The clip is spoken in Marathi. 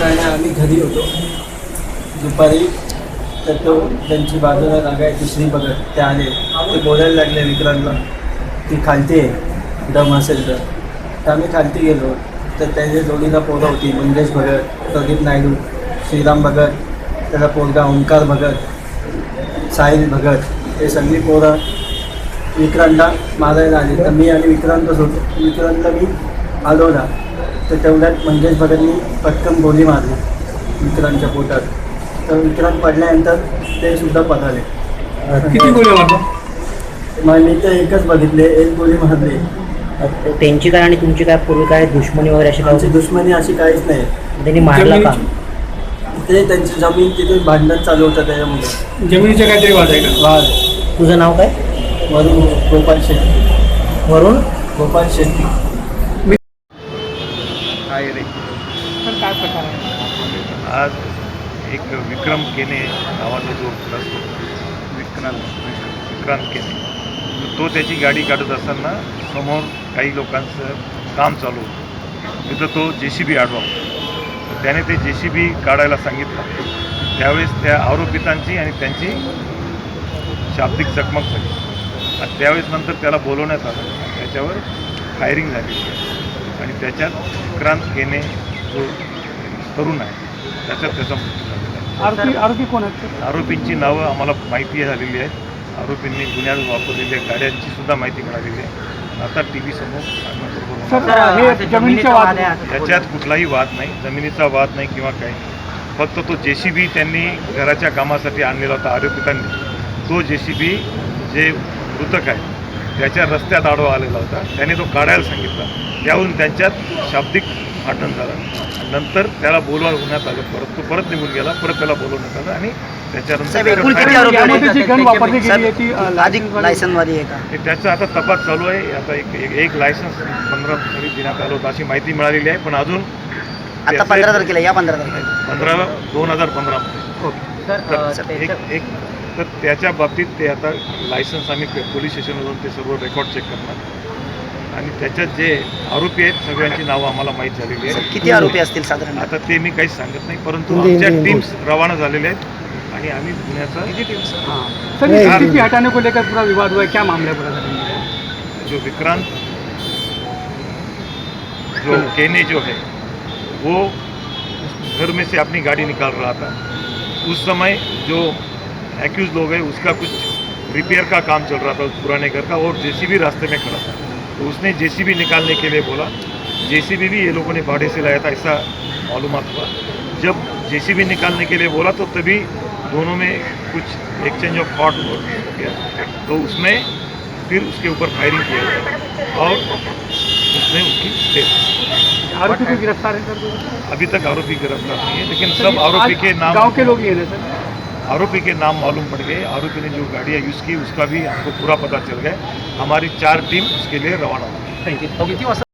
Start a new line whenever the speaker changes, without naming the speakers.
आणि आम्ही घरी होतो दुपारी. तर तो त्यांची बाजूला जागा आहे दुसरी बघत ते आले, ते बोलायला लागले विक्रांतला की खालती आहे दम असेल तर आम्ही खालती गेलो. तर त्याच्या जोडीला पोरं होती, मंगेश भगत, प्रदीप नायडू, श्रीराम भगत, त्याचा पोरगा ओंकार भगत, साहिल भगत, हे सगळी पोरं विक्रांतला मारायला आली. तर मी आणि विक्रांतच होतो. विक्रांतला मी हलवला तर तेवढ्यात मंगेश भगतनी पटकन गोली मारली विक्रांतच्या पोटात. तर विक्रांत पडल्यानंतर ते सुद्धा पळाले.
किती गोळ्या मारल्या?
मग मी तर एकच बघितले, एक गोळी मारली.
त्यांची काय आणि तुमची काय पूर्वी काय दुश्मनी वगैरे अशी
आमची दुश्मनी अशी काहीच नाही.
त्यांनी मारला का?
ते त्यांची जमीन तिथे भांडण चालू होतं त्याच्यामुळे.
जमिनीचा काहीतरी वाद आहे का?
वाद.
तुझं नाव काय?
वरून गोपाल शेट्टी.
वरून
गोपाल शेट्टी.
काय रे
तर काय प्रकार आहे?
आज एक विक्रम केने नावाचा जो असतो विक्रांत केने, तो त्याची गाडी काढत असताना समोर काही लोकांचं काम चालू होतं. तिथं तो JCB आडवा होता. त्याने ते JCB काढायला सांगितलं. त्यावेळेस त्या आरोपितांची आणि त्यांची शाब्दिक चकमक झाली आणि त्यावेळेस नंतर त्याला बोलवण्यात आलं. त्याच्यावर फायरिंग झाली आणि त्याच्यात विक्रांत केने जो तरुण आहे त्याच्यात त्याचा मृत्यू झालेला आहे.
आरोपी कोण आहेत?
आरोपींची नावं आम्हाला माहिती झालेली आहेत. आरोपींनी गुन्ह्यात वापरलेल्या गाड्यांची सुद्धा माहिती मिळालेली आहे. आता TV समोर
हे जमिनीचा वाद आहे.
त्याच्यात कुठलाही वाद नाही, जमिनीचा वाद नाही किंवा काही नाही. फक्त तो JCB त्यांनी घराच्या कामासाठी आणलेला होता आरोपितांनी. तो JCB जे मृतक आहे त्याच्या रस्त्यात आडवा आलेला होता. त्याने तो काढायला सांगितला. त्यावरून त्यांच्यात शाब्दिक भांडण झालं. नंतर त्याला बोलवण्यात आलं. परत तो परत निघून गेला. परत त्याला बोलवण्यात आलं आणि त्याच्यानंतर
यामध्ये जी गन वापरली गेली आहे ती
लायसन्सवादी आहे का?
त्याचा आता तपास चालू आहे. आता एक लायसन्स 15 तारीख देण्यात आलं होतं अशी माहिती मिळालेली आहे. पण अजून
आता 15 तारखेला या 15 तारखेला
2015 मध्ये तर त्याच्या बाबतीत ते आता लायसन्स आम्ही पोलीस स्टेशनवर जाऊन ते सर्व रेकॉर्ड चेक करणार आणि त्याच्यात जे आरोपी आहेत सगळ्यांची नावं आम्हाला माहीत झालेली आहेत.
किती आरोपी असतील साधारण?
आता ते मी काहीच सांगत नाही, परंतु आमच्या टीम्स रवाना झालेल्या आहेत आणि आम्ही गुन्ह्याचा
सर किती हटाने को लेकर पूरा विवाद हुआ है, क्या मामला है पूरा?
जो विक्रांत जो केने जो है वो घर में से अपनी गाड़ी निकाल रहा था. उस समय जो एक्यूज लोग हैं उसका कुछ रिपेयर का काम चल रहा था उस पुराने घर का और JCB रास्ते में खड़ा था. तो उसने JCB निकालने के लिए बोला. JCB भी ये लोगों ने भाड़े से लाया था ऐसा मालूमात हुआ. जब JCB निकालने के लिए बोला तो तभी दोनों में कुछ एक्सचेंज ऑफ थॉट हो गया. तो उसमें फिर उसके ऊपर फायरिंग किया गया और उसने उसकी डेथ.
आरोपी को गिरफ्तार है सर?
अभी तक आरोपी गिरफ्तार नहीं है, लेकिन सब आरोपी के नाम
गांव के लोग ही है ना सर?
आरोपी के नाम मालूम पड़ गए. आरोपी ने जो गाड़ियाँ यूज़ की उसका भी हमको पूरा पता चल गया. हमारी 4 टीम उसके लिए रवाना हुई.
थँक्यू.